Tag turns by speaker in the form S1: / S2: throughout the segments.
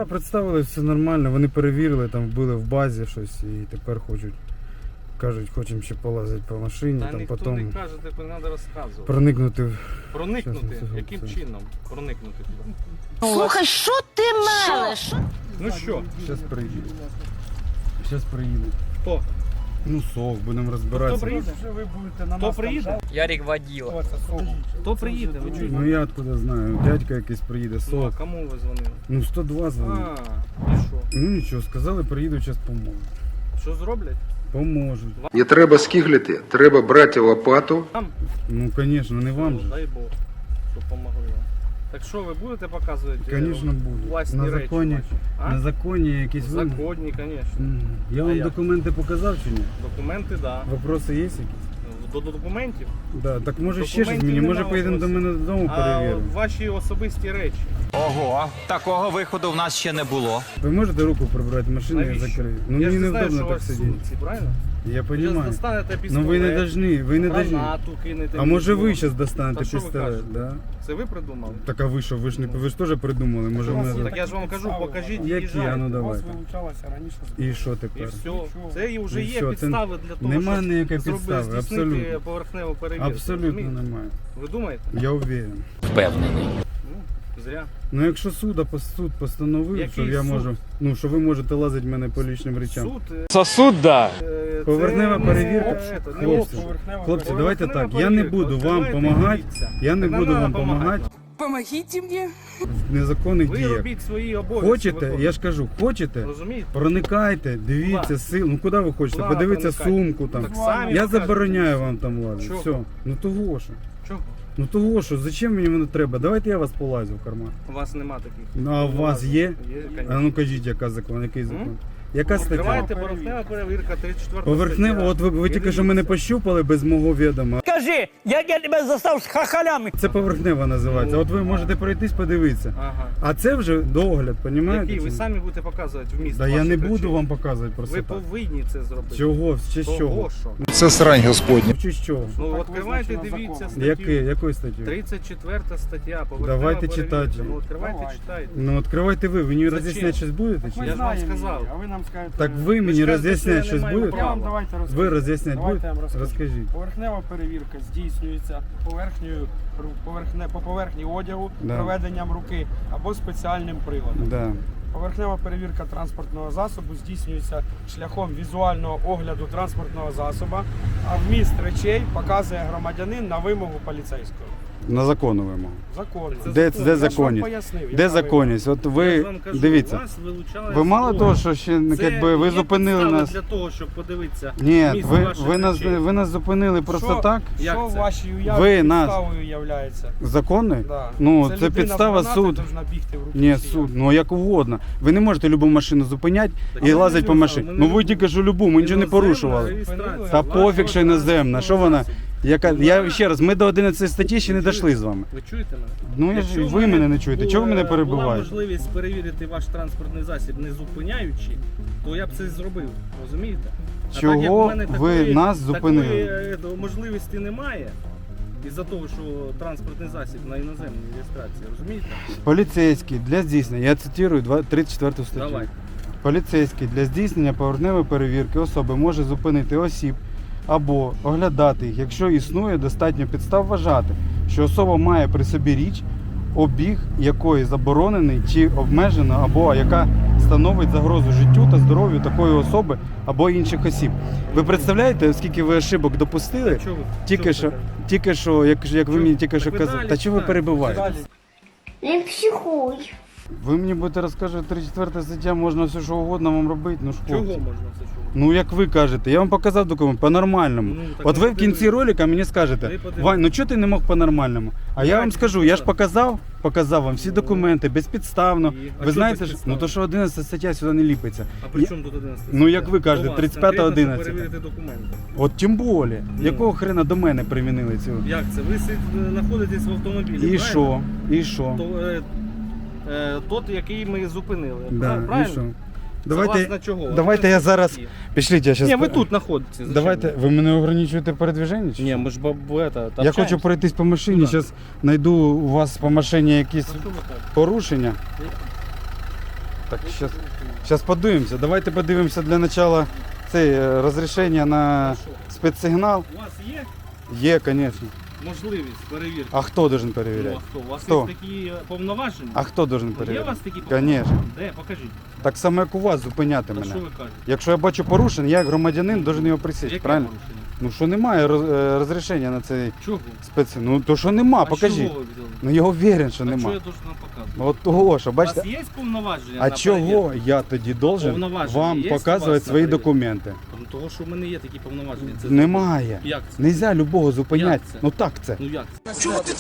S1: представили, все нормально, вони перевірили, там були в базі щось і тепер кажуть, хочемо ще полазити по машині,
S2: Та
S1: там
S2: ніхто
S1: потім
S2: не каже, типу, не треба розказувати.
S1: проникнути в...
S2: Проникнути?
S1: Щас,
S2: Яким
S1: це.
S2: чином проникнути туди?
S3: Слухай, що ти мелеш?
S2: Ну що?
S1: Зараз приїдуть. Зараз приїдуть.
S2: Хто?
S1: Ну, сов, будемо
S2: Хто
S1: розбиратися.
S2: приїде? Хто приїде?
S4: Ярик водила.
S2: Хто приїде? Ви чуєте?
S1: Ну я откуда знаю, дядька якийсь приїде,
S2: Ну,
S1: сов.
S2: а кому ви дзвонили?
S1: Ну 102 дзвонив.
S2: А, і що?
S1: Ну нічого, сказали, приїдуть, зараз поможуть.
S2: Що зроблять?
S1: Поможуть.
S5: Не треба скиглити, треба брати лопату.
S2: Там?
S1: Ну, звісно, не вам же.
S2: Дай Бог, щоб помогли вам. Так що, ви будете показувати
S1: Звісно, буду.
S2: власні
S1: На
S2: речі
S1: законі,
S2: ваші? А?
S1: на законі якісь вимоги.
S2: Законні, звісно.
S1: Я
S2: А
S1: вам
S2: як?
S1: документи показав чи ні?
S2: Документи, так. Да.
S1: Вопроси є якісь?
S2: До документів?
S1: Да, так може ще щось
S2: Документів
S1: мені, може
S2: нема
S1: поїдемо до
S2: вопросів.
S1: мене додому
S2: А
S1: перевіримо.
S2: ваші особисті речі.
S4: Ого, такого виходу в нас ще не було.
S1: Ви можете руку прибрати, машину я
S2: Навіщо?
S1: закрию. Ну
S2: Я
S1: мені
S2: ж не знаю,
S1: невдобно
S2: що у
S1: так
S2: вас
S1: сидіти.
S2: сумці, правильно?
S1: Я
S2: Ви зараз
S1: розумію.
S2: достанете
S1: Ну
S2: пістолет,
S1: ви не должны, ви не должны.
S2: гранату кинете.
S1: А може ви
S2: візьму.
S1: зараз достанете
S2: Та що ви
S1: пістолет,
S2: кажете?
S1: да?
S2: Це ви придумали?
S1: Так а ви що, ви ж теж придумали, може мене...
S2: Так я ж вам кажу, покажіть,
S1: Які, а
S2: їжджайте.
S1: ну
S6: У вас
S1: давайте.
S6: вилучалася раніше
S1: І що
S2: І
S1: тепер?
S2: все. Це і вже
S1: І
S2: є
S1: все, це
S2: підстави для того,
S1: нема
S2: щоб
S1: ніякої
S2: зробити,
S1: підстави,
S2: здійснити
S1: абсолютно.
S2: поверхневу перевірку.
S1: Абсолютно
S2: розумієте?
S1: немає.
S2: Ви думаєте?
S1: Я уверен.
S4: Впевнений.
S2: Ну, зря.
S1: Ну якщо суд постановив,
S2: Який
S1: що я
S2: суд?
S1: можу, ну що ви можете лазити в мене по лічним речам.
S2: Суд.
S4: Сосуд, да.
S1: Поверхнева
S2: це
S1: перевірка.
S2: не
S1: Хлопці,
S6: поверхнева
S1: Хлопці,
S6: перевірка.
S1: давайте так,
S2: Поверхнева
S1: я не
S2: перевірка.
S1: буду вам
S2: Відкривайте,
S1: допомагати,
S2: дивіться.
S1: я не
S2: Так нам
S1: буду
S2: треба
S1: вам допомагати
S3: Помогите мне.
S1: в незаконних
S2: Ви
S1: діях.
S2: робіть свої обов'язки.
S1: Хочете,
S2: виконуйте.
S1: я ж кажу, хочете,
S2: Розумієте?
S1: проникайте, дивіться
S2: Куда?
S1: сил. Ну куди ви хочете?
S2: Куда
S1: Подивіться
S2: проникати?
S1: сумку там.
S2: Так самі
S1: Я
S2: покажете.
S1: забороняю вам там лазити.
S2: Чого?
S1: Все. Ну того що.
S2: Чого?
S1: Ну того що, зачем мені воно треба? Давайте я вас полазю в карман.
S2: У вас нема таких.
S1: Ну а у вас є?
S2: Є,
S1: А
S2: звісно.
S1: ну кажіть, яка закон, який закон? Яка стаття?
S2: Відкривайте поверхнева перевірка, 34
S1: Поверхнево,
S2: стаття.
S1: от ви тільки що мене пощупали без мого відома.
S7: Скажи, як я тебе застав з хахалями?
S1: Це поверхнева називається. От ви можете пройтись, подивитися.
S2: Ага.
S1: А це вже догляд, розумієте?
S2: Який? Ви самі будете показувати вміст.
S1: Да я
S2: ваших
S1: не
S2: речей.
S1: буду вам показувати просто
S2: Ви
S1: так.
S2: повинні це зробити.
S1: Чого? Ще з
S2: Того,
S1: чого?
S2: що?
S5: Це срань Господня.
S1: Чи з чого?
S2: Ну,
S6: Так
S2: відкривайте,
S6: визначено
S2: дивіться
S6: законом.
S2: статтю.
S1: Якою статтю?
S2: 34 стаття, поверхнева
S1: Давайте
S2: перевірка.
S1: читати.
S2: Ну, відкривайте,
S6: Давайте.
S2: читайте.
S1: Ну відкривайте ви мені
S2: Зачем?
S1: роз'ясняти щось будете? Чи?
S6: Ми
S2: Я ж вам
S6: знаємо
S2: сказав.
S6: її, а ви нам скажете.
S1: Так ви мені
S2: ж кажете,
S1: роз'ясняти
S2: що я
S1: щось
S2: не маю
S1: будете?
S6: Я вам
S2: права.
S6: давайте розкажу.
S1: Ви роз'ясняти
S6: Давайте
S1: будете?
S6: я вам розкажу.
S1: Розкажіть.
S6: Поверхнева перевірка здійснюється по поверхні одягу,
S1: Да.
S6: проведенням руки або спеціальним приладом.
S1: Да.
S6: Поверхнева перевірка транспортного засобу здійснюється шляхом візуального огляду транспортного засобу, а вміст речей показує громадянин на вимогу поліцейського.
S1: На законну вимогу.
S6: Законно.
S2: Це
S1: Де
S2: закон.
S6: Я ж вам
S1: законність?
S6: пояснив,
S1: Де
S6: яка
S1: законність? От
S2: Я
S1: ви
S2: ж вам кажу,
S1: дивіться.
S2: вас вилучали
S1: Ви мало
S2: з
S1: того,
S2: дому.
S1: що ще
S2: Це
S1: якби ви
S2: є
S1: зупинили
S2: підстави
S1: нас.
S2: для того, щоб подивитися.
S1: Ні,
S2: міст
S1: ви,
S2: ваших
S1: ви нас
S2: речей.
S1: ви нас зупинили просто
S6: Що?
S1: так.
S2: Як
S6: Що в
S2: це?
S6: вашій уяві
S1: Ви нас-
S6: підставою являється?
S1: Законною?
S6: Да.
S1: Ну, це
S6: людина
S1: підстава
S6: з гранати
S1: суд.
S6: должна бігти в руки
S1: Ні,
S6: всі.
S1: суд, ну як угодно. Ви не можете любу машину зупиняти
S2: Так
S1: і
S2: ми
S1: лазити по
S2: не
S1: машині.
S2: любимо,
S1: Ну
S2: ми
S1: ви
S2: не
S1: тільки що любу, ми нічого не
S2: Іноземна
S1: порушували.
S2: реєстрація
S1: Та
S2: вашого
S1: пофіг, що іноземна. Що вона?
S2: транспортного
S1: Я ще раз, ми до 11 статті ще не дійшли з вами.
S2: Ви чуєте мене?
S1: Ну я ж ви мене не чуєте. Чого ви мене
S2: Була
S1: перебиваєте?
S2: можливість перевірити ваш транспортний засіб не зупиняючи, то я б це зробив. Розумієте? А
S1: Чого
S2: так, як в мене
S1: ви нас зупинили?
S2: Такої можливості немає. Із-за того, що транспортний засіб на іноземній реєстрації, розумієте?
S1: Поліцейський для здійснення, я цитую 34 статтю.
S2: Давай.
S1: Поліцейський для здійснення поверхневої перевірки особи може зупинити осіб або оглядати їх, якщо існує достатньо підстав вважати, що особа має при собі річ, обіг якої заборонений чи обмежено, або яка становить загрозу життю та здоров'ю такої особи або інших осіб. Ви представляєте, скільки ви ошибок допустили?
S2: Чого ви?
S1: Тільки що, як ви мені тільки що
S2: Так ви
S1: казали.
S2: далі
S1: Та чого ви
S2: читайте.
S1: перебиваєте?
S6: Далі.
S3: Не психуй.
S1: Ви мені будете розказувати 34 стаття, можна все що угодно вам робити, ну ж
S2: Чого
S1: хлопці.
S2: можна все чого?
S1: Ну як ви кажете, я вам показав документ по-нормальному.
S2: Ну, так
S1: От
S2: ми
S1: ви в кінці
S2: подивимось.
S1: ролика мені скажете,
S2: Ви подивитесь.
S1: Вань, ну чого ти не мог по-нормальному? А я вам
S2: Давайте
S1: скажу, я ж
S2: показав.
S1: показав вам всі документи, безпідставно.
S2: А
S1: Ви
S2: чого
S1: знаєте, ж,
S2: безпідставно?
S1: ну то що 11 стаття сюди не ліпиться.
S2: А при чому тут 11?
S1: Ну, як ви кажете,
S2: До вас
S1: 35-та,
S2: конкретно, щоб
S1: 11-та.
S2: перевірити документи.
S1: От тим більше,
S2: Ну.
S1: якого хрена до мене примінили цю?
S2: Як це? Ви знаходитесь в автомобілі,
S1: І
S2: правильно?
S1: що? І що?
S2: Тот, який ми зупинили.
S1: Да,
S2: правильно?
S1: і що?
S2: Согласно чого?
S1: давайте я зараз... Пішліть, я зараз...
S2: Ні, ви тут знаходитесь. зачем
S1: Давайте, ви мене ограничуєте передвіження? чи
S2: Ні,
S1: що?
S2: ми ж
S1: Я хочу пройтись по машині,
S2: Куда?
S1: зараз знайду у вас по машині якісь порушення.
S2: А що ви кажете? Ні, ви тут знаходитесь. Согласно чого? Ви тут знаходитесь. Ні, ми ж знаходитесь.
S1: Я хочу пройтись по машині, зараз знайду у вас по машині якісь порушення.
S2: А що ви кажете?
S1: Так, зараз подивимося. Давайте подивимося для початку це розрішення на спецсигнал.
S2: У вас є
S1: Є, звісно.
S2: можливість перевірки?
S1: А хто должен
S2: Ну,
S1: перевіряти?
S2: а хто? У вас
S1: Хто?
S2: є такі повноваження?
S1: А хто должен
S2: Є у
S1: перевіряти?
S2: вас такі повноваження?
S1: Звісно.
S2: Де? Покажіть.
S1: Так само, як у вас, зупиняти
S2: Та
S1: мене.
S2: що ви кажете?
S1: Якщо я бачу порушення, я як громадянин должен його присісти,
S2: Яке
S1: правильно?
S2: порушення?
S1: Ну що немає розрішення на цей
S2: Чого?
S1: Ну то що нема, покажіть.
S2: Чого ви взяли?
S1: Ну я уверен, що
S2: А
S1: нема.
S2: що я должен вам показувати?
S1: От того, що
S2: У вас
S1: бачите.
S2: є повноваження
S1: А
S2: на
S1: чого
S2: перевірку?
S1: я тоді должен
S2: Повноваження
S1: вам
S2: є у вас
S1: показувати
S2: на
S1: свої
S2: перевірку?
S1: документи?
S2: Ну, того, що в мене є такі повноваження. Це
S1: Немає.
S2: Як це?
S1: Нельзя любого зупиняти.
S2: Як це?
S1: Ну так це.
S2: Ну як це?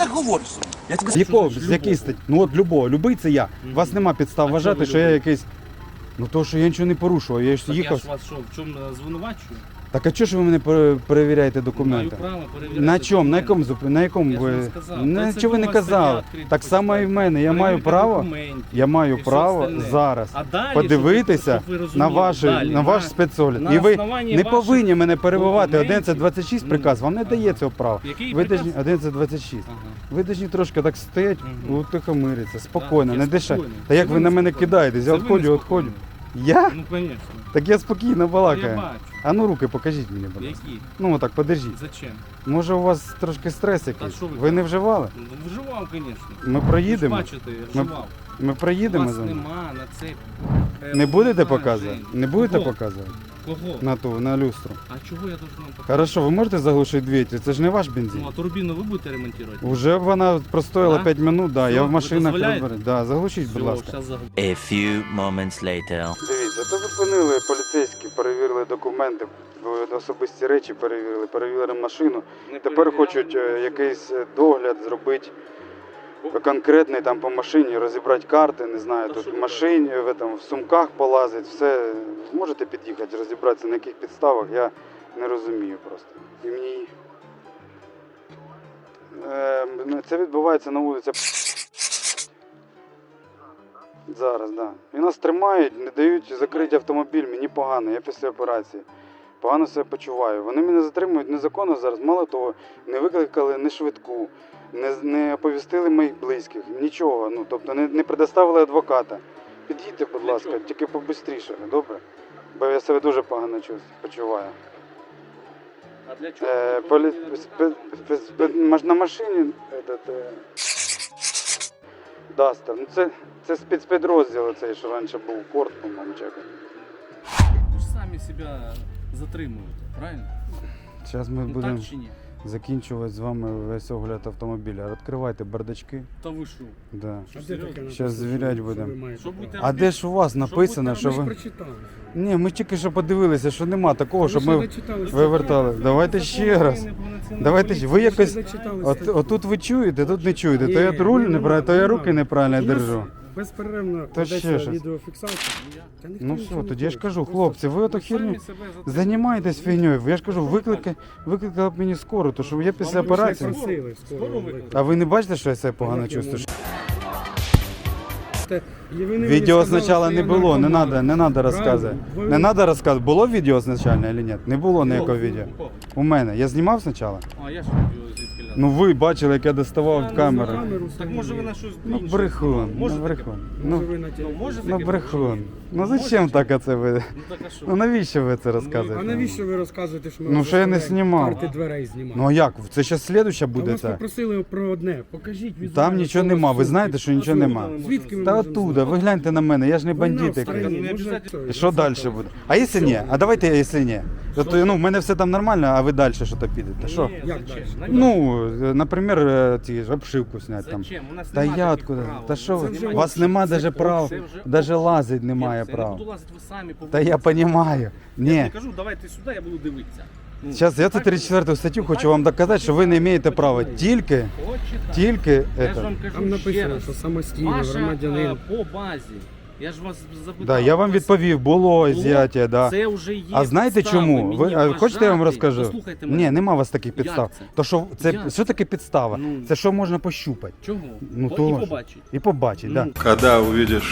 S1: З якого,
S2: що
S1: з якої
S2: любого?
S1: статті? Ну от любого, любий це я. У вас нема підстав
S2: А
S1: вважати,
S2: чого ви
S1: що я
S2: любий?
S1: якийсь. Ну то, що я нічого не порушував, я ж
S2: Так я
S1: їхав.
S2: ж вас що, в чому звинувачую?
S1: Так а чого ж ви мене перевіряєте документи?
S2: Маю право перевіряти
S1: На чому? На
S2: документи.
S1: якому на якому
S2: Я ж вам
S1: ви
S2: сказав.
S1: на
S2: Та це
S1: чого ви не
S2: була
S1: казали?
S2: стаття відкрита,
S1: Так само і в мене. Я маю
S2: перевірка
S1: право.
S2: документів
S1: Я маю
S2: і все
S1: право
S2: остальне.
S1: зараз
S2: А далі,
S1: подивитися
S2: щоб ви
S1: на
S2: розуміли, далі,
S1: ваш спецогляд.
S2: на
S1: І ви
S2: основанні
S1: не
S2: ваших
S1: повинні мене перебивати.
S2: документів.
S1: 11.26
S2: Ну,
S1: приказ вам не
S2: ага.
S1: дає цього права.
S2: Який
S1: Ви
S2: приказ?
S1: должні 11.26.
S2: Ага.
S1: Ви повинні трошки так стоять,
S2: Мгм.
S1: утихомиритися, спокійно,
S2: я
S1: не дишати.
S2: спокійний.
S1: Та як
S2: Це
S1: ви на мене
S2: неспокійний.
S1: кидаєтесь? Я
S2: Це ви
S1: відходжу.
S2: неспокійний.
S1: Я?
S2: Ну, звісно.
S1: Так я спокійно
S2: Я
S1: балакаю.
S2: бачу.
S1: А ну руки покажіть мені, будь ласка.
S2: Які?
S1: Ну отак, подержіть.
S2: Зачем?
S1: Може у вас трошки стрес якийсь?
S2: що ви
S1: Ви не вживали?
S2: Ну, вживав, звісно.
S1: Ми
S2: Ви
S1: проїдемо.
S2: ж бачите, я
S1: Ми-
S2: вживав.
S1: Ми
S2: У
S1: проїдемо
S2: вас
S1: за ним.
S2: нема на це.
S1: Не будете
S2: повноважень.
S1: показувати? Не будете
S2: Кого?
S1: показувати?
S2: Кого?
S1: На люстру.
S2: А чого я должен вам показати?
S1: Хорошо, ви можете заглушити двигатель? Це ж не ваш
S2: Ну,
S1: бензин.
S2: а турбіну ви будете ремонтувати?
S1: Уже вона простояла
S2: Да?
S1: 5 минут, да.
S2: Все,
S1: Я в
S2: ви
S1: машинах
S2: дозволяєте?
S1: розберу. Да, заглушіть, будь ласка.
S2: зараз заговорю.
S8: A few moments later.
S1: Дивіться, то зупинили поліцейські, перевірили документи, особисті речі перевірили машину. Тепер хочуть якийсь догляд зробити конкретний там по машині, розібрати карти, не знаю, тут в машині, в сумках полазить, все. Можете під'їхати, розібратися на яких підставах, я не розумію просто. І мені... Це відбувається на вулиці. Зараз, так. Да. І нас тримають, не дають закрити автомобіль, мені погано, я після операції. Погано себе почуваю. Вони мене затримують незаконно зараз, мало того, не викликали ні швидку, не оповістили моїх близьких, нічого, ну, тобто не предоставили адвоката. Під'їдьте, будь ласка, тільки побистріше, добре? Бо я себе дуже погано почуваю.
S2: А для чого?
S1: На машині Дастер. Ну це спецпідрозділ цей, що раніше був Корт, по-моєму, чи якось.
S2: Ви ж самі себе затримуєте, правильно?
S1: Зараз ми
S2: Ну
S1: будемо
S2: так чи ні?
S1: закінчувати з вами весь огляд автомобіля. Відкривайте бардачки.
S2: Та ви що?
S1: Да.
S6: А де таке написано,
S1: Щас звірять
S6: що
S1: будемо.
S6: ви маєте
S2: Що
S6: право?
S2: будете
S1: А де ж у вас написано,
S2: будете
S1: що
S6: Ми ж
S1: ви...
S6: прочитали.
S1: Ні, ми тільки що подивилися, що нема такого, щоб
S6: Ви ще
S1: ми
S6: зачитали
S1: вивертали. Давайте ще раз. Давайте ще. Ви якось... Отут ви чуєте, тут не чуєте. То я руль неправильно, то я руки неправильно держу.
S6: Безперервно
S1: Та ще
S6: ведеться
S1: щось.
S6: відеофіксація. Та ніхто
S1: Ну
S6: нічого
S1: все,
S6: не
S1: тоді я ж
S6: хоче.
S1: кажу,
S6: Просто
S1: хлопці, ви ото херню займаєтесь фігньою. Я ж кажу, викликали б мені скору, то що я після
S6: ви ж не
S1: операції.
S6: просили скоро викликати.
S1: А ви не бачите, що я себе погано
S6: Як я
S1: чувствую?
S6: І ви мені
S1: Відео
S6: сказали,
S1: спочатку
S6: що
S1: не
S6: я
S1: було, не
S6: наркоман.
S1: треба розказувати.
S6: Правильно.
S1: Не треба розказувати. Було відео спочатку чи ні? Не було ніякого відео. У мене. Я знімав спочатку?
S2: А я ж відео звідки ляду.
S1: Ну ви бачили, як я доставав камеру.
S2: Так може ви на щось
S1: Ну
S2: інше
S1: брехун,
S2: знімали?
S1: ну
S2: Може таке?
S1: брехун.
S6: Може
S1: Ну,
S6: ви на
S2: Ну може
S1: ну
S2: таке?
S1: брехун. Ну
S2: Може
S1: зачем
S2: таке?
S1: так оце ви?
S2: Ну так а що?
S1: Ну навіщо ви це
S6: А
S1: розказуєте?
S6: навіщо ви розказуєте, що ми
S1: Ну,
S6: вас
S1: що я не
S6: заставляємо
S1: знімав.
S6: карти дверей знімати?
S1: Ну а як? Це ще слідуща
S6: А
S1: буде
S6: вас
S1: це?
S6: попросили про одне. Покажіть візуально.
S1: Там нічого
S6: що у вас
S1: нема, ви
S6: в
S1: знаєте,
S6: сумці.
S1: що нічого нема.
S6: Звідки ми
S1: Та
S6: можемо
S1: оттуда,
S6: знати?
S1: ви гляньте на мене, я ж не
S6: Вона
S1: бандит
S6: в
S1: якийсь.
S6: стороні,
S2: Не
S6: може,
S2: обов'язково.
S6: той,
S1: І що
S6: на
S1: далі
S6: стороні.
S1: буде? А якщо ні? А давайте, якщо ні. Тобто, ну, в мене все там нормально, а ви далі що то підете. Що?
S2: Ні,
S6: Як
S2: зачем?
S6: далі?
S1: Ну, наприклад, ті ж обшивку зняти там.
S2: Зачем? У нас
S1: Та
S2: нема
S1: я
S2: таких
S1: откуда?
S2: прав.
S1: Та що
S6: Це
S1: ви?
S6: вже
S1: У вас нема
S6: общий,
S1: навіть
S6: це
S1: прав,
S2: Це вже
S1: навіть
S2: общий.
S1: лазить немає
S2: Я не
S1: прав.
S2: буду лазити, ви самі
S1: Та я розумію.
S2: Я не
S1: Ні.
S2: кажу, давайте сюди, я буду дивитися. Ну,
S1: Зараз я цю
S2: так,
S1: 34 статтю хочу вам доказати, що ви не маєте права. Тільки,
S2: Почитайте. Я ж
S1: это.
S2: вам кажу
S6: Там
S2: ще
S6: написано,
S2: раз.
S6: що самостійний
S2: Ваша
S6: громадянин.
S2: по базі. Я ж вас запитав.
S1: Да, я вам
S2: у вас
S1: відповів, було зняття, да.
S2: Це вже є
S1: А знаєте
S2: підстави
S1: чому? Ви
S2: мені
S1: хочете я вам
S2: вважати?
S1: розкажу?
S2: Послухайте мене.
S1: Ні, нема у вас таких підстав.
S2: Як це?
S1: То що це
S2: Як
S1: що таке підстава?
S2: Ну.
S1: Це що можна пощупати
S2: Чого?
S1: Ну,
S2: І
S1: то ж.
S2: побачить.
S1: і побачити, да.
S2: Ну,
S5: Когда увидишь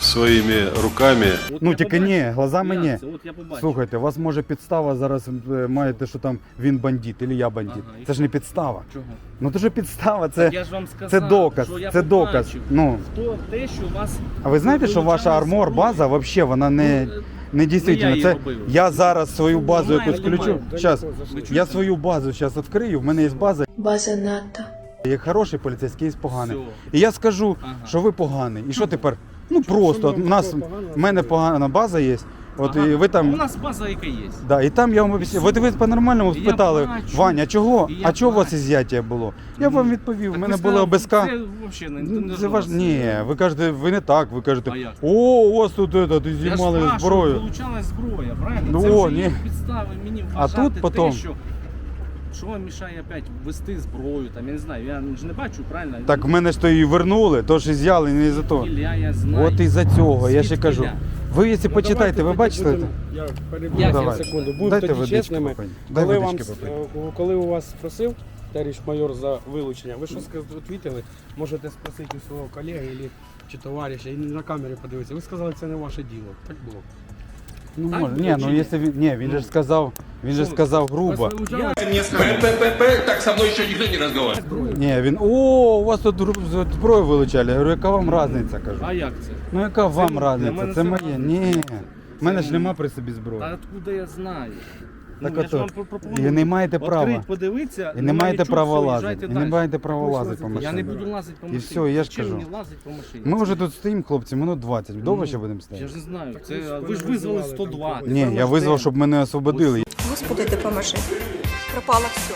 S9: своими руками.
S2: От
S1: Ну
S2: я
S1: тільки ні,
S2: побачив.
S1: глазами
S2: Як
S1: ні.
S2: це? От я побачив.
S1: Слухайте, у вас може підстава зараз маєте, що там він бандит, або я бандит.
S2: Ага, і
S1: Це ж не підстава.
S2: Чого?
S1: Ну то ж підстава,
S2: Так
S1: це,
S2: я ж вам сказав,
S1: це доказ.
S2: що я
S1: Це доказ.
S2: побачив.
S1: Ну.
S2: Хто те, що у вас...
S1: А ви знаєте, що ваша
S2: вилучали
S1: армор база
S2: зброю?
S1: взагалі вона не
S2: я
S1: дійсно.
S2: її
S1: Це
S2: робив.
S1: я зараз свою базу
S2: Немає,
S1: якусь включу.
S2: немає.
S1: Зараз
S2: Ви
S1: я
S2: чуєте?
S1: свою базу зараз відкрию. В мене є база.
S3: База НАТО.
S1: Є хороший поліцейський, є поганий.
S2: Всьо.
S1: І я скажу,
S2: Ага.
S1: що ви поганий. І що тепер? Ну просто
S6: що ми
S1: у нас
S6: такого поганого
S1: в мене погана база є. От
S2: Ага.
S1: і ви
S2: У
S1: там.
S2: нас база яка є.
S1: Да, і там я вам обіцяв. Ви по-нормальному
S2: І я
S1: спитали,
S2: бачу.
S1: Ваня, чого?
S2: І я
S1: А чого у вас
S2: бачу.
S1: ізяття було? Я
S2: Ну,
S1: вам відповів, у
S2: Так
S1: мене
S2: ви
S1: були
S2: сказали,
S1: ОБСК.
S2: Це взагалі не
S1: Це ваш... Ні, ви кажете, ви не так, ви кажете,
S2: А як?
S1: о, у вас тут ти
S2: Я ж
S1: знімали
S2: спрашиваю,
S1: зброю.
S2: вилучалась зброя, правильно?
S1: Ну,
S2: Це
S1: о,
S2: вже є
S1: ні.
S2: підстави мені
S1: А
S2: вважати
S1: тут потом-
S2: те, що вам мішає опять вести зброю, там, я не знаю, я ж не бачу, правильно?
S1: Так в мене ж то і вернули, то ж і з'яли, не за то.
S2: Ілля, я знаю.
S1: От із-за цього, я ще
S2: Звідки
S1: кажу.
S2: я?
S1: Ви, якщо
S6: Ну,
S1: почитайте,
S6: давайте
S1: ви
S6: тоді
S1: бачите?
S6: будемо- Я переб'ю
S2: Як?
S6: на
S1: Давай.
S6: секунду. Будемо
S1: Дайте
S6: тоді
S1: водички
S6: чесними.
S1: попити. Дай
S6: Коли, вам,
S1: водички попити.
S6: коли у вас спросив товариш майор за вилучення, ви що відповіли? Можете спросити у свого колеги чи товариша, і на камері подивитися. Ви сказали, це не ваше діло. Так було.
S1: Ну,
S2: Так
S1: може.
S2: було
S1: Ні,
S2: чи
S1: ну
S2: ні?
S1: якщо він. Ні, він же ж сказав, він же
S2: Що?
S1: сказав грубо.
S6: Вас вилучали
S9: Так со мной еще никто не разговаривает.
S6: зброю?
S1: Ні, він, о, у вас тут зброю вилучали. Я говорю, яка вам різниця, кажу.
S2: А як це?
S1: Ну яка вам
S2: для
S1: різниця?
S2: мене
S1: Це
S2: це
S1: моє.
S2: разниця.
S1: Ні. В мене
S2: Це
S1: ж нема при собі зброї.
S2: Та откуда я знаю?
S1: Так
S2: я ж
S1: ото.
S2: вам пропоную.
S1: І не маєте права.
S2: Відкрить, подивитися,
S1: І не маєте
S2: нічого,
S1: права
S2: все,
S1: лазити.
S2: їжджайте
S1: І не
S2: далі.
S1: маєте права лазити по
S6: Я
S2: Я не
S1: машині.
S2: буду лазити по
S1: І
S2: машині.
S1: все, я ж
S2: Чим
S1: кажу.
S2: мені лазити по машині?
S1: Ми вже тут стоїмо, хлопці, минут 20. Довго ще будемо
S2: Я
S1: стояти?
S2: ж не знаю.
S6: Так
S2: Це,
S6: ви ж
S2: ви ж
S6: мене
S2: визвали
S6: називали
S2: 102.
S6: там
S1: Ні, я визвав, щоб мене освободили.
S3: Господи, допоможи. Пропало все.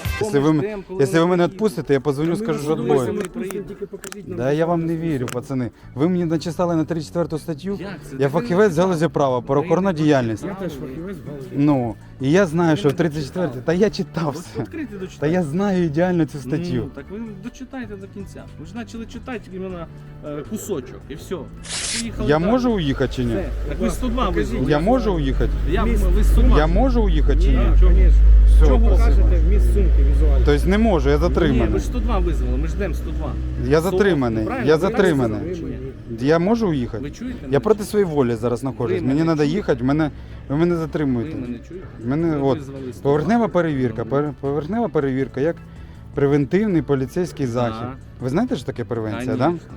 S1: Якщо ви мене відпустите, я позвоню, скажу, що
S2: відпустимо.
S1: двоє.
S2: Ми
S6: Тільки покажіть нам.
S1: Да я вам не вірю, пацани. Ви мені начисали на 34 статтю.
S2: Як це?
S1: Я фахівець з галузі права, правоохоронна діяльність.
S6: Я теж фахівець в галузі.
S1: Ну, і я знаю, що в 34-й, та я читав
S2: Ось
S1: все.
S2: відкрийте,
S1: Та
S2: дочитайте.
S1: я знаю ідеально цю
S2: Ну,
S1: статтю.
S2: так ви дочитайте до кінця. Ви ж почали читати іменно кусочок і все. Поїхали
S1: Я
S2: далі.
S1: можу уїхати чи ні?
S2: Все. Так ви 102 визвали.
S1: Я можу уїхати?
S2: Ви 102.
S1: Я можу уїхати чи ні?
S6: Так, звісно.
S1: Все,
S2: Чого?
S1: спасибо.
S6: Покажете вміст сумки візуально.
S1: Тобто не можу, я
S2: Ні, ви
S1: затриманий.
S2: ж 102 визвали, ми ждемо 102.
S1: Я затриманий,
S2: Правильно?
S1: я
S2: Ви
S1: затриманий.
S2: визвали чи ні?
S1: Я можу
S2: Ви
S1: уїхати?
S2: чуєте?
S1: Я
S2: мене?
S1: проти своєї волі зараз знаходжусь.
S2: Ви
S1: Мені
S2: мене
S1: треба
S2: чуєте?
S1: їхати, ви мене
S2: Ви
S1: затримуєте.
S2: мене чуєте?
S1: Мене
S2: Ви
S1: от
S2: визвали 102.
S1: поверхнева перевірка.
S2: Ну.
S1: Поверхнева перевірка як превентивний поліцейський захід.
S2: Так.
S1: Ви знаєте, що таке превенція, так?
S2: Конечно.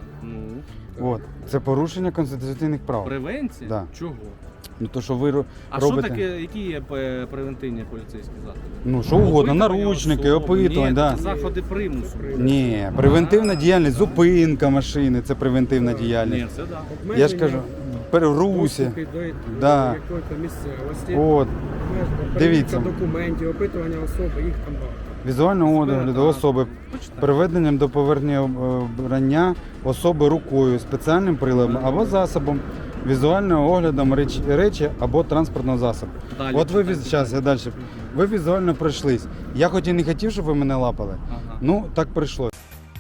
S2: Ну,
S1: От. Це порушення конституційних прав.
S2: превенція?
S1: Да.
S2: Чого?
S1: Ну то, що ви
S2: А що
S1: робите.
S2: таке, які є превентивні поліцейські заходи?
S1: Ну, що угодно,
S2: Опитування
S1: наручники,
S2: особи.
S1: опитування,
S2: Ні,
S1: да.
S2: це заходи примусу.
S1: Ні, превентивна діяльність, зупинка машини, це превентивна діяльність.
S2: Ні, це да.
S1: Я ж кажу, в русі.
S6: Доступи до
S1: Да.
S6: якоїсь місцевості.
S1: От,
S6: Перевірка
S1: дивіться.
S6: документів, опитування особи, їх там багато.
S1: візуального огляду особи,
S2: Почитайте.
S1: приведенням до повернення обрання особи рукою, спеціальним приладом або засобом, візуального оглядом речі або транспортного засобу.
S2: Далі
S1: От ви
S2: читайте.
S1: зараз, я далі. Ви візуально пройшлись. Я хоч і не хотів, щоб ви мене лапали.
S2: Ага.
S1: Ну, так прийшлось.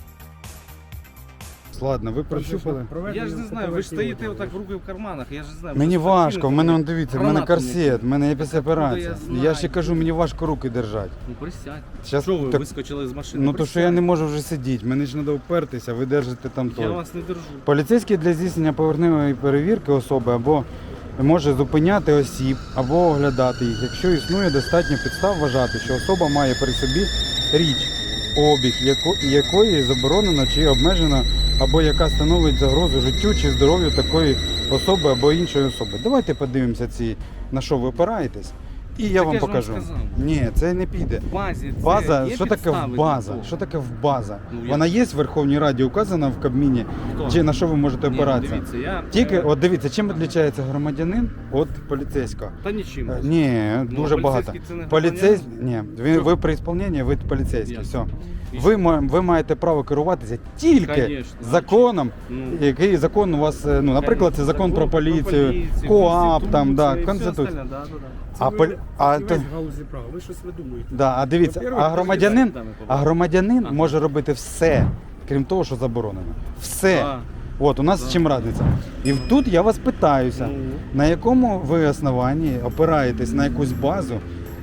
S1: Ладно, ви прощупали.
S2: Я ж не знаю, ви ж стоїте отак руки в карманах, я ж не знаю.
S1: Мені
S2: може,
S1: важко, в
S2: спортивно
S1: мене,
S2: там
S1: он, дивіться, в мене
S2: гранату
S1: корсет, в мене є після
S2: откуда я
S1: операції.
S2: знаю?
S1: Я ще кажу, мені важко руки держати.
S2: Ну присядь.
S1: Щас,
S2: Що ви
S1: так,
S2: вискочили з машини?
S1: ну то, що я не можу вже сидіти, мені ж треба впертися, ви держите там
S2: Я
S1: то.
S2: вас не держу.
S1: Поліцейський для здійснення поверхневої перевірки особи або може зупиняти осіб, або оглядати їх, якщо існує достатньо підстав вважати, що особа має при собі річ, обіг якої заборонено чи обмежено, або яка становить загрозу життю чи здоров'ю такої особи або іншої особи. Давайте подивимося на що ви опираєтесь, і я
S2: Так
S1: вам
S2: я ж вам
S1: покажу.
S2: сказав.
S1: Ні, це не піде.
S2: В базі це
S1: База,
S2: є
S1: що таке
S2: підстави
S1: база?
S2: для того?
S1: Що таке база?
S2: Ну, я-
S1: Вона є в Верховній Раді указана в Кабміні?
S2: Хто?
S1: Чи на що ви можете
S2: Ні,
S1: опиратися?
S2: дивіться, я...
S1: Тільки, от дивіться, чим відрізняється громадянин від поліцейського?
S2: Та нічим.
S1: Ні, дуже
S2: Ну,
S1: багато.
S2: поліцейський це не
S1: Поліцейський, ні,
S2: Що?
S1: ви при ісполненні, ви поліцейський,
S2: Ясно.
S1: все.
S2: І
S1: Ви маєте право керуватися тільки
S2: Конечно.
S1: законом,
S2: Ну.
S1: який закон у вас, ну, наприклад, це закон про поліцію, КоАП, там, да, Конституція.
S6: Це
S1: А
S6: ви
S1: полі- а
S6: фахівець
S1: то-
S6: в галузі права, ви щось видумуєте.
S1: Да, а дивіться,
S6: Во-первых,
S1: а громадянин
S2: Ага.
S1: може робити все, крім того, що заборонено. Все.
S2: А.
S1: От, у нас
S2: Да.
S1: чим радиться. І тут я вас питаюся,
S2: Ну.
S1: на якому ви основанні опираєтесь на якусь базу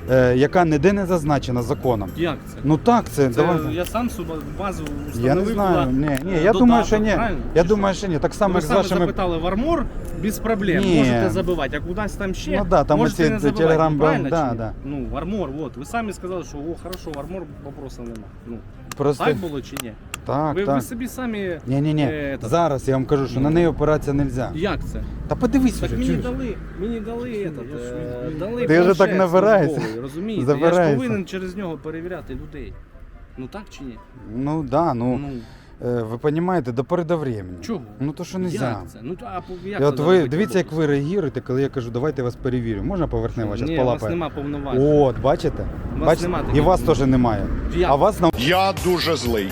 S1: яка ніде не зазначена законом.
S2: Як це?
S1: Ну так, це
S2: Це
S1: давай.
S2: я сам собі базу встановив.
S1: Я не знаю.
S2: туди,
S1: Ні, я
S2: додаток,
S1: думаю, що ні.
S2: правильно?
S1: Я
S2: Чи
S1: думаю,
S2: що?
S1: що ні. Так само,
S2: Ви
S1: як з
S2: саме
S1: вашими.
S2: запитали в Армор, без проблем,
S1: Ні.
S2: можете забивати, а кудись там ще,
S1: Ну да, там
S2: можете
S1: оці
S2: не забивати,
S1: Telegram,
S2: правильно
S1: да,
S2: чи ні?
S1: да.
S2: Ну, в Армор, от, ви самі сказали, що о, хорошо, в Армор вопросів нема. Ну,
S1: Просто
S2: так було чи ні?
S1: так,
S2: Ви
S1: так.
S2: собі самі...
S1: Ні.
S2: этот,
S1: Зараз я вам кажу, що на неї опиратися не можна.
S2: Як це?
S1: Та подивись
S2: Так
S1: вже,
S2: мені
S1: чуєш?
S2: дали этот, дали
S1: Ти вже так
S2: планшет
S1: набираєшся.
S2: службовий, розумієте? Я
S1: Забираєшся.
S2: ж повинен через нього перевіряти людей. Ну так чи ні?
S1: Ну да, ну ви розумієте, до пори до времени.
S2: Чого?
S1: Ну то що не можна.
S2: Як це? Ну, а як
S1: І от
S2: це
S1: ви
S2: робити
S1: дивіться, як
S2: роботу?
S1: ви реагуєте, коли я кажу, давайте я вас перевірю. Можна поверхнево зараз
S2: Ні, у вас
S1: полапає?
S2: нема повноважень.
S1: От, бачите?
S2: У вас
S1: Бачите?
S2: нема
S1: І
S2: таких
S1: вас теж немає.
S2: Як?
S1: А вас
S5: Я дуже злий.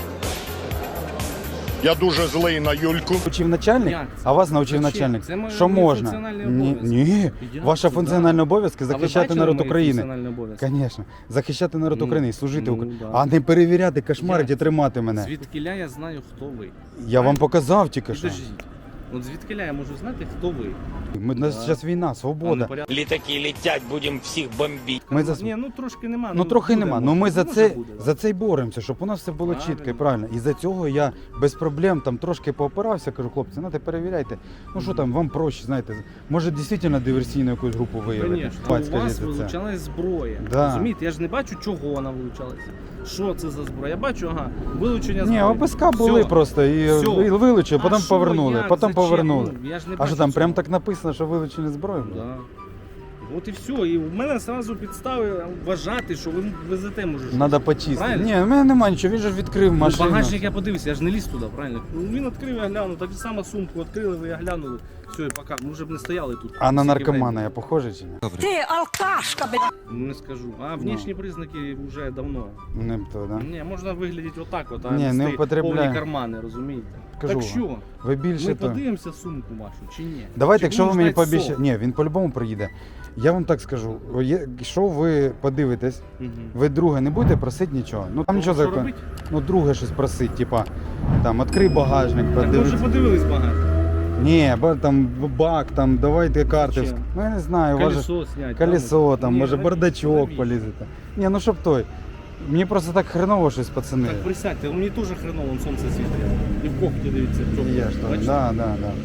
S5: Я дуже злий на Юльку.
S1: навчив начальник,
S2: Як це?
S1: а вас навчив
S2: Зачем?
S1: начальник.
S2: Це
S1: Що
S2: мої
S1: можна?
S2: функціональні
S1: Ні,
S2: обов'язки.
S1: ні.
S2: Як
S1: Ваша
S2: це,
S1: функціональна
S2: да?
S1: обов'язки
S2: А ви
S1: захищати
S2: бачили
S1: народ
S2: мої
S1: України.
S2: функціональні обов'язки?
S1: Звісно, захищати народ
S2: Ну,
S1: України, служити
S2: ну,
S1: Україні,
S2: да.
S1: а не перевіряти, кошмарити,
S2: Як?
S1: тримати мене.
S2: Звідкиля я знаю, хто ви.
S1: Я вам показав тільки що.
S2: Підождіть. От звідкиля я можу знати, хто ви.
S1: У нас зараз війна,
S2: А не
S1: свобода.
S2: порядок.
S4: Літаки летять, будемо всіх бомбити.
S1: Ми за
S2: Ні, ну трошки нема.
S1: Ну трохи
S2: буде,
S1: нема.
S2: може.
S1: Ну ми за
S2: Може,
S1: це
S2: буде, да.
S1: за це й боремося, щоб у нас все було
S2: Правильно.
S1: чітко і правильно. І за цього я без проблем там трошки поопирався, кажу, хлопці, ну перевіряйте. Ну що там, вам проще, знаєте, може дійсно диверсійну якусь групу виявити.
S2: Звісно,
S1: Бать,
S2: у вас
S1: скажіть це.
S2: вилучалась зброя.
S1: Да.
S2: Розумієте, я ж не бачу, чого вона вилучалася. Що це за зброя? Я бачу, ага, вилучення
S1: Ні,
S2: зброї.
S1: ОПСК були
S2: Всьо.
S1: просто і
S2: Всьо.
S1: вилучили,
S2: А
S1: потім
S2: що,
S1: повернули,
S2: як,
S1: потім
S2: зачем?
S1: повернули.
S2: Ну, я ж не
S1: А
S2: бачу
S1: що там,
S2: цього.
S1: прям так написано, що вилучили зброю?
S2: Да. От і все. І в мене одразу підстави вважати, що ви везете, може. щось.
S1: Надо почистити.
S2: Правильно?
S1: Ні, в мене немає нічого, він же ж відкрив
S2: Ну,
S1: машину.
S2: багажник я подивився, я ж не ліз туди, правильно? Ну, він відкрив, я глянув, так само сумку відкрили, ви я глянули. Все, і пока. Ми вже б не стояли тут.
S1: А на
S2: Стільки
S1: наркомана
S2: времени.
S1: я похожий чи ні?
S3: Ти алкашка, блядь.
S2: Ну, не скажу. А внешні признаки вже давно.
S1: Не то, да?
S2: Ні, можна виглядати отак, от, а
S1: Ні, не
S2: нести
S1: употребляю.
S2: повні кармани, розумієте?
S1: Кажу
S2: так
S1: вам.
S2: що?
S1: Ви більше
S2: Ми
S1: то.
S2: подивимося сумку вашу чи ні?
S1: Давайте,
S2: Чи
S1: якщо ви
S2: будемо
S1: мені
S2: ждать
S1: пообіцяєте.
S2: СО?
S1: Ні, він по-любому приїде. Я вам так скажу, якщо ви подивитесь,
S2: Мгм.
S1: ви друге не будете просити нічого. Ну там нічого
S2: Що
S1: закону.
S2: робить?
S1: Ну друге щось просить, типа там відкрий багажник,
S2: Так ми вже
S1: подивись.
S2: подивились багато.
S1: Ні, там бак, там давайте карти.
S2: Зачем?
S1: Ну я не знаю, може
S2: Колесо снять.
S1: колесо, там,
S2: Ні,
S1: може
S2: навіщо?
S1: бардачок
S2: Навіщо?
S1: полізете. Ні, ну щоб той. Мені просто так хреново щось, пацани.
S2: Так присядьте, мені теж хреново, вон сонце світить. І в когті дивіться, в чому.
S1: Є ж там.
S2: Бачите?
S1: Да, да, да.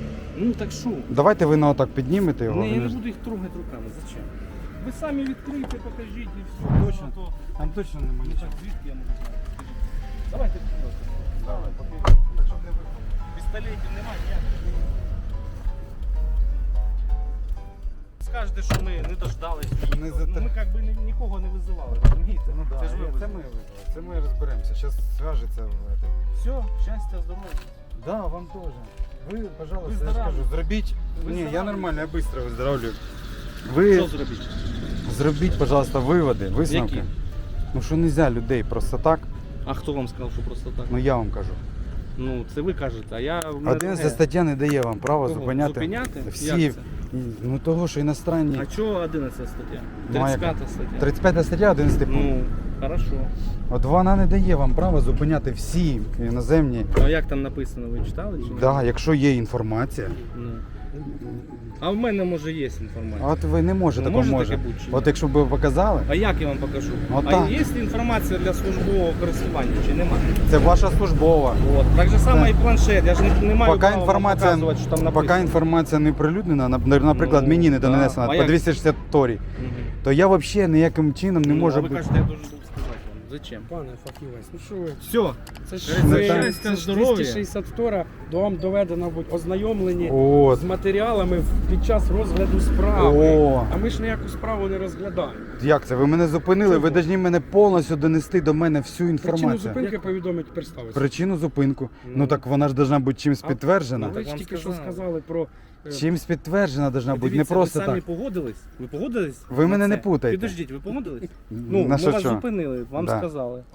S2: Ну так що?
S1: Давайте ви на отак піднімете його.
S2: Ні, я
S1: він
S2: не
S1: ж-
S2: буду їх трогати руками, зачем? Ви самі відкрийте, покажіть і все.
S1: Точно?
S2: Ну, то-
S1: Там точно немає
S2: Ну так звідки я можу знати? Скажіть. Давайте вперед.
S1: Давай, поки. Так щоб не випало.
S2: Пістолетів немає, ніяких. Скажете, що ми не дождались.
S1: Не за
S2: Ну,
S1: те.
S2: ми як би нікого не визивали, розумієте?
S1: Ну да,
S2: Це ж ви
S1: це ми
S2: визвали.
S1: вибрали. Це ми розберемося. Зараз зв'яжеться в это.
S2: Все, щастя, здоров'я.
S1: Да, вам теж. Ви, пожалуйста, я
S2: Виздоравлюйте.
S1: скажу, зробіть. Ні, я
S2: Виздоравлюйте.
S1: нормально, я швидко виздоравлюю.
S2: Що
S1: Ви
S2: зробити?
S1: зробіть, пожалуйста, виводи, висновки.
S2: Які?
S1: Ну що не можна людей просто так,
S2: А хто вам сказав, що просто так?
S1: ну я вам кажу.
S2: Ну, це ви кажете, а я... в мене
S1: 11
S2: друге.
S1: стаття не дає вам права
S2: Кого?
S1: зупиняти.
S2: Зупиняти?
S1: Всі.
S2: Як це?
S1: Ну того, що іностранні.
S2: А чого 11 стаття?
S1: Ну, а яка?
S2: 35 стаття.
S1: 35 стаття, 11 пункт.
S2: Ну, хорошо.
S1: От вона не дає вам права зупиняти всі іноземні.
S2: А як там написано, ви читали чи ні?
S1: Да, якщо є інформація,
S2: Ну. А в мене, може, є інформація.
S1: от ви не можете,
S2: Ну,
S1: такого
S2: може
S1: може.
S2: таке бути чи ні?
S1: От якщо б ви показали,
S2: А як я вам покажу?
S1: От
S2: А
S1: так.
S2: є інформація для службового користування чи немає?
S1: це ваша службова.
S2: От. Так же само
S1: Так.
S2: і планшет. Я ж не маю
S1: Поки
S2: права вам
S1: інформація,
S2: показувати, що там написано.
S1: поки інформація не прилюднена, наприклад,
S2: Ну,
S1: мені не
S2: да.
S1: донесена
S2: А
S1: по
S2: як?
S1: 262,
S2: Мгм.
S1: то я взагалі ніяким чином не
S2: Ну,
S1: можу
S2: а ви
S1: бути.
S2: кажете, я должен був сказати вам. Зачем?
S6: Пане фахівець, ну що ви?
S2: Все.
S6: Це ж
S2: Це
S6: ви-
S2: щастя,
S6: це ж
S2: здоров'я.
S6: 262 до вам доведено бути ознайомлені
S1: От.
S6: з матеріалами під час розгляду справи.
S1: О.
S6: А ми ж ніяку справу не розглядаємо.
S1: Як це? Ви мене зупинили, ви
S6: Чого?
S1: повинні мене повністю донести до мене всю
S6: Причину
S1: інформацію.
S6: зупинки повідомить представитися.
S1: Причину зупинку.
S2: Ну.
S1: Ну так вона ж повинна бути чимось
S6: А-
S1: підтверджена.
S6: Ви
S2: так
S6: ж
S2: вам
S6: тільки що
S2: сказали.
S6: сказали про...
S1: Чимось підтверджена повинна бути, не
S2: Дивіться,
S1: просто
S2: ви самі
S1: так.
S2: погодились? Ви погодились?
S1: Ви
S2: на
S1: мене не
S2: це?
S1: путайте.
S2: Підождіть, ви погодились?
S1: На
S2: Ну, ми
S1: що
S2: вас
S1: що?
S2: зупинили, вам
S1: Да.
S2: сказали.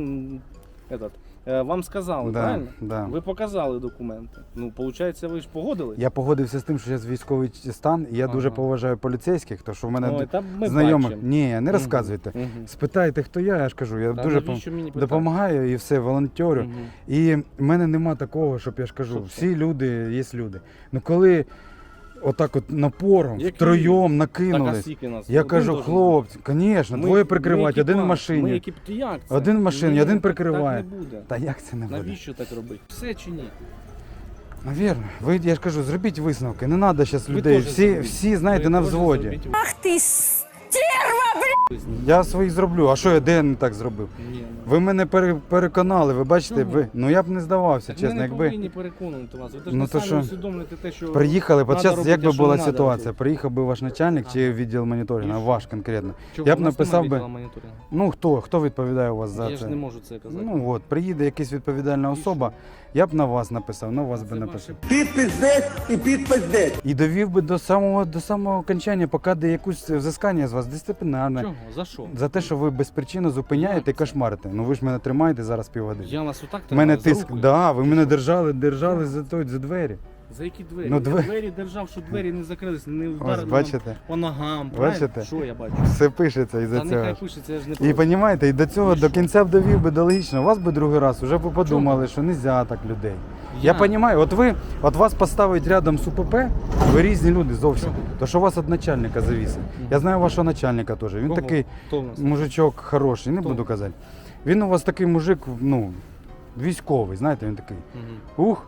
S2: Вам сказали,
S1: Да,
S2: правильно?
S1: да.
S2: Ви показали документи. Ну, виходить, ви ж погодились?
S1: Я погодився з тим, що зараз військовий стан, і я дуже
S2: Ага.
S1: поважаю поліцейських, тому що в мене
S2: Ой, та ми
S1: знайомих.
S2: бачимо.
S1: Ні, не
S2: Мгм.
S1: розказуйте.
S2: Мгм.
S1: Спитайте, хто я ж кажу, я
S2: Та
S1: дуже
S2: навіщо мені питати?
S1: допомагаю і все, волонтерю.
S2: Мгм.
S1: І в мене нема такого, щоб я ж кажу,
S2: Щоб
S1: всі люди є люди. Ну коли отак от напором,
S2: Який?
S1: втроєм
S2: Так, а
S1: накинулись.
S2: скільки нас?
S1: Я
S2: Один
S1: кажу,
S2: должен
S1: хлопці, звісно,
S2: бути.
S1: двоє прикривають,
S2: ми
S1: один в
S2: екіпаж,
S1: машині.
S2: Ми як це?
S1: Один в машині,
S2: Ні,
S1: один
S2: так-
S1: прикриває.
S2: Так не буде.
S1: Та як це не буде?
S2: Навіщо так робити? Все чи ні?
S1: Навірно. Ви, я ж кажу, зробіть висновки. Не треба зараз
S2: Ви
S1: людей.
S2: теж зробіть.
S1: Всі, знаєте,
S2: Ви
S1: на
S2: теж
S1: взводі.
S2: зробіть.
S3: Ах ти стерва, блядь!
S1: Я свої зроблю. А що я де не так зробив?
S2: Ні,
S1: Ви мене переконали, ви бачите,
S2: Чому?
S1: ви. Ну я б не здавався,
S2: так ми
S1: чесно,
S2: не
S1: якби
S2: повинні переконувати вас. Ви
S1: Ну,
S2: ну,
S1: то
S2: самі
S1: що?
S2: усвідомлюєте те, що
S1: приїхали,
S2: надо
S1: от зараз
S2: робити,
S1: як би
S2: а що
S1: була
S2: не надо
S1: ситуація?
S2: робити.
S1: Приїхав би ваш начальник
S2: Ага.
S1: чи відділ моніторингу,
S2: І що?
S1: ваш конкретно.
S2: Чого?
S1: Я б
S2: У нас
S1: написав
S2: немає
S1: би-
S2: відділу моніторингу.
S1: Ну хто відповідає у вас за
S2: Я
S1: це?
S2: ж не можу це казати.
S1: Ну от, приїде якась відповідальна
S2: І
S1: особа, я б на вас написав, на вас
S2: Це
S1: би
S2: ваше
S1: написав.
S10: Підпиздець.
S1: І довів би до самого окончання, поки де якусь взискання з вас дисциплінарне.
S2: Чого? За що?
S1: За те, що ви без причини зупиняєте і
S2: Як це?
S1: кошмарите. Ну ви ж мене тримаєте зараз півгодини.
S2: Я вас отак
S1: У мене
S2: тримаю, за
S1: тиск.
S2: руку?
S1: Да, ви мене держали за двері.
S2: За які двері?
S1: Ну,
S2: Я
S1: двері.
S2: двері держав, що двері не закрились, не
S1: Ось
S2: вдарили нам
S1: бачите,
S2: по ногам.
S1: Бачите?
S2: Правильно? Що я бачу?
S1: все пишеться із-за
S2: Та нехай
S1: цього.
S2: пишеться, я ж не
S1: І
S2: проти.
S1: розумієте, і до цього
S2: І
S1: до
S2: що?
S1: кінця б довів би до логічного. Вас би другий раз вже б подумали, що не можна так людей. Я розумію, от вас поставить рядом з УПП, ви різні люди зовсім.
S2: Чого?
S1: То що у вас від начальника завісить. Я знаю вашого начальника теж. Він
S2: Кого?
S1: такий
S2: Хто в нас?
S1: мужичок хороший, не
S2: Хто?
S1: буду казати. Він у вас такий мужик, ну, військовий, знаєте, він такий.
S2: Мгм.
S1: Ух.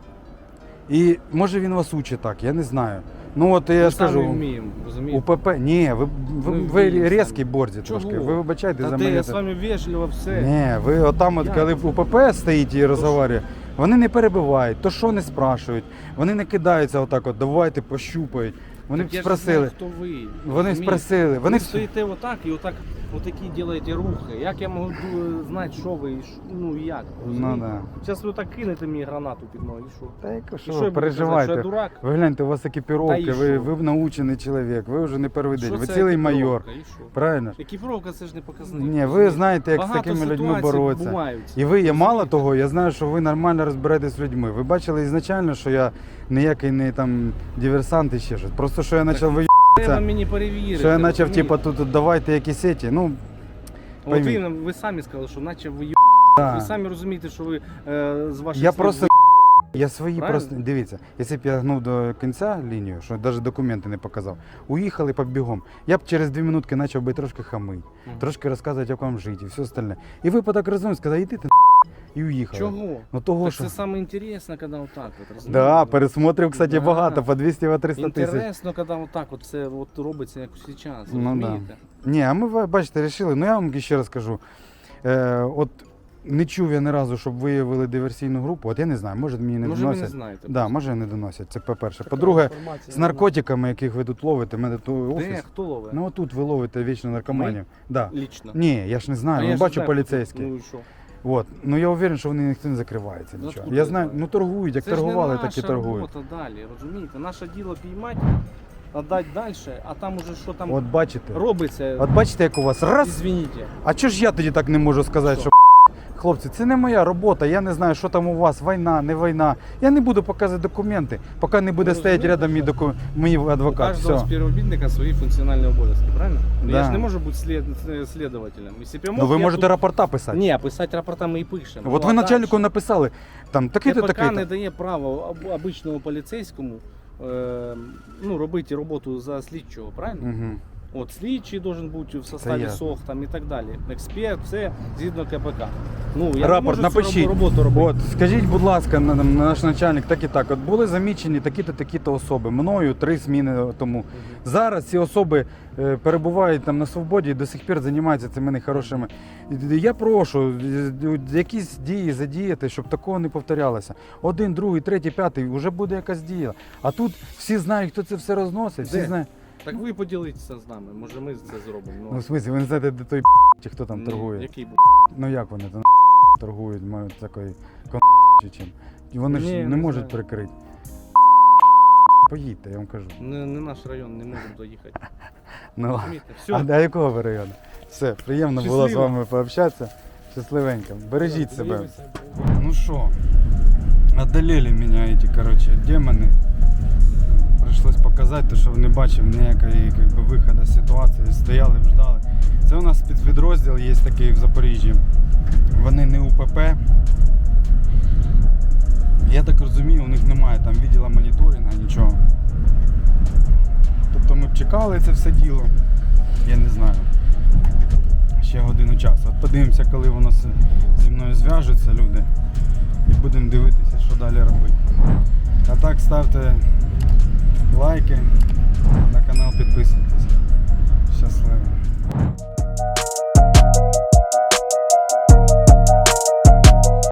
S1: І може він вас учить так, я не знаю. Ну от
S2: Ми
S1: я
S2: самі
S1: скажу,
S2: вміємо, розумієте?
S1: УПП, ні, ви
S2: вміємо
S1: різкі
S2: самі.
S1: борзі
S2: Чого?
S1: трошки. Ви вибачайте
S2: Та
S1: за
S2: де
S1: мене.
S2: я з вами вежливо все.
S1: Ні, ви отам, от,
S2: Як?
S1: коли УПП стоїть і розговорює, вони не перебивають, то що не спрашують, вони не кидаються отак, от, давайте пощупають. Вони
S2: Так я ж
S1: спросили.
S2: знаю, хто ви.
S1: Вони
S2: розумієте?
S1: спросили.
S2: Ви
S1: Вони
S2: стоїте отак і отак, отакі робите рухи. Як я можу знати, що ви, і ну і як?
S1: Ну
S2: розумієте?
S1: да.
S2: Зараз ви так кинете мені гранату під ноги, і що?
S1: Та яко,
S2: І
S1: що
S2: я
S1: ви
S2: буду казати,
S1: переживайте.
S2: що я дурак?
S1: Ви гляньте, у вас
S2: Та
S1: екіпіровки,
S2: і
S1: ви
S2: що?
S1: научений чоловік, ви вже не перший день,
S2: Що
S1: ви
S2: це
S1: цілий
S2: екіпіровка?
S1: майор.
S2: І що?
S1: Правильно? ж?
S2: Екіпіровка це ж не показник.
S1: Ні, ви
S2: розумієте?
S1: знаєте, як з
S2: Багато
S1: такими людьми
S2: ситуацій
S1: боротися.
S2: бувають.
S1: І ви є мало
S2: Розумієте?
S1: того, я знаю, що ви нормально розбираєтесь з людьми. Ви бачили ізначально, що я ніякий не там диверсант і ще щось. Просто що я почав
S2: Треба мені перевірити.
S1: що я почав,
S2: розумієте?
S1: типу, тут давайте якісь еті. Ну,
S2: От
S1: пойміть.
S2: ви самі сказали, що наче ви
S1: да.
S2: Ви самі розумієте, що ви з ваших
S1: Я
S2: слів
S1: просто я свої
S2: Правильно?
S1: просто дивіться, якщо б я гнув до кінця лінію, що навіть документи не показав, уїхали по бігом. Я б через 2 минутки почав би трошки хамити, трошки розказувати, як вам жити і все остальне. І ви по так розумієте, сказали, йди ти і уїхали.
S2: Чого?
S1: Ну того,
S2: Так
S1: що...
S2: це саме інтересно, коли отак от, розумієте?
S1: Да, пересмотрів, кстати,
S2: Да.
S1: багато, по 200-300 тисяч.
S2: Інтересно, коли отак от все от робиться, як зараз,
S1: Ну, да.
S2: розумієте?
S1: Ні, а ми, бачите, вирішили, ну я вам ще раз кажу, от не чув я ні разу, щоб виявили диверсійну групу, от я не знаю, може мені не
S2: Може ви не
S1: доносять.
S2: знаєте.
S1: Да, може не доносять, це по-перше. По-друге,
S6: Інформація
S1: з наркотиками, яких ви тут ловите, мене тут
S2: Де,
S1: офіс.
S2: хто ловить?
S1: Ну отут ви ловите вічно наркоманів. Да.
S2: Лічно.
S1: Ні, я ж не знаю,
S2: А
S1: ну
S2: я ж
S1: бачу
S2: знаю,
S1: поліцейські.
S2: Ну і що?
S1: От. Ну я уверен, що вони ніхто не закривається
S2: Ну,
S1: нічого.
S2: откуда
S1: Я
S2: ви
S1: знаю,
S2: знаєте?
S1: ну торгують, як
S2: Це ж
S1: торгували,
S2: не
S1: так і
S2: наша
S1: торгують.
S2: робота далі, розумієте? Наше діло піймати, віддати далі, а там уже що там
S1: От бачите.
S2: робиться,
S1: От бачите, як у вас раз.
S2: извините.
S1: А чого ж я тоді так не можу сказати,
S2: Що?
S1: що хлопці, це не моя робота, я не знаю, що там у вас, війна, не війна. Я не буду показувати документи, поки не буде
S2: Ну,
S1: стояти
S2: розумієте,
S1: рядом мій
S2: У
S1: адвокат.
S2: кожного
S1: Все.
S2: співробітника свої функціональні обов'язки, правильно? Ну,
S1: Да.
S2: Я ж не можу бути слідователем. Якщо б я мог,
S1: Ну ви
S2: я
S1: можете
S2: тут...
S1: рапорта писати.
S2: Ні, писати рапорта ми і пишемо.
S1: От
S2: Ну,
S1: ви
S2: а
S1: начальнику
S2: дальше?
S1: написали, там такий-то,
S2: КПК
S1: такий-то.
S2: не дає права обичному поліцейському ну, робити роботу за слідчого, правильно?
S1: Угу.
S2: От слідчий должен бути в составі
S1: ясно.
S2: СОХ там і так далі. Експерт, все згідно КПК. Ну, я
S1: Рапорт
S2: не можу
S1: напишіть.
S2: цю роботу робити.
S1: От, скажіть, будь ласка, наш начальник, так і так. От були замічені такі-то, такі-то особи. Мною 3 зміни тому. Зараз ці особи перебувають там на свободі і до сих пір займаються цими нехорошими. Я прошу якісь дії задіяти, щоб такого не повторялося. 1, 2, 3, 5, вже буде якась дія. А тут всі знають, хто це все розносить. Всі
S2: Де?
S1: знають.
S2: Так ви поділитеся з нами, може ми це зробимо.
S1: Ну, в смысле, ви не знаєте, де той чи хто там
S2: Ні,
S1: торгує.
S2: Який був?
S1: Ну як вони там торгують, мають такої чи чим. І вони
S2: Ні,
S1: ж не
S2: не
S1: можуть
S2: знаю.
S1: прикрити. Поїдьте, я вам кажу.
S2: Не наш район, не можемо доїхати.
S1: Ну,
S2: Розумієте?
S1: а
S2: Все.
S1: до якого ви району? Все, приємно було з
S2: Щасливо.
S1: вами пообщатися. Щасливенько. Бережіть себе. Ну що, одолели мене эти, короче, демони. Пришлось показати, то, що не бачив ніякої как би, виходу з ситуації. Стояли, ждали. Це у нас спецпідрозділ є такий в Запоріжжі. Вони не УПП. Я так розумію, у них немає там відділу моніторингу, нічого. чекали це все діло. Я не знаю. Ще годину часу. От подивимося, коли воно зі мною зв'яжуться, люди. І будемо дивитися, що далі робити. А так, ставте лайки, на канал підписуйтесь. Щасливо.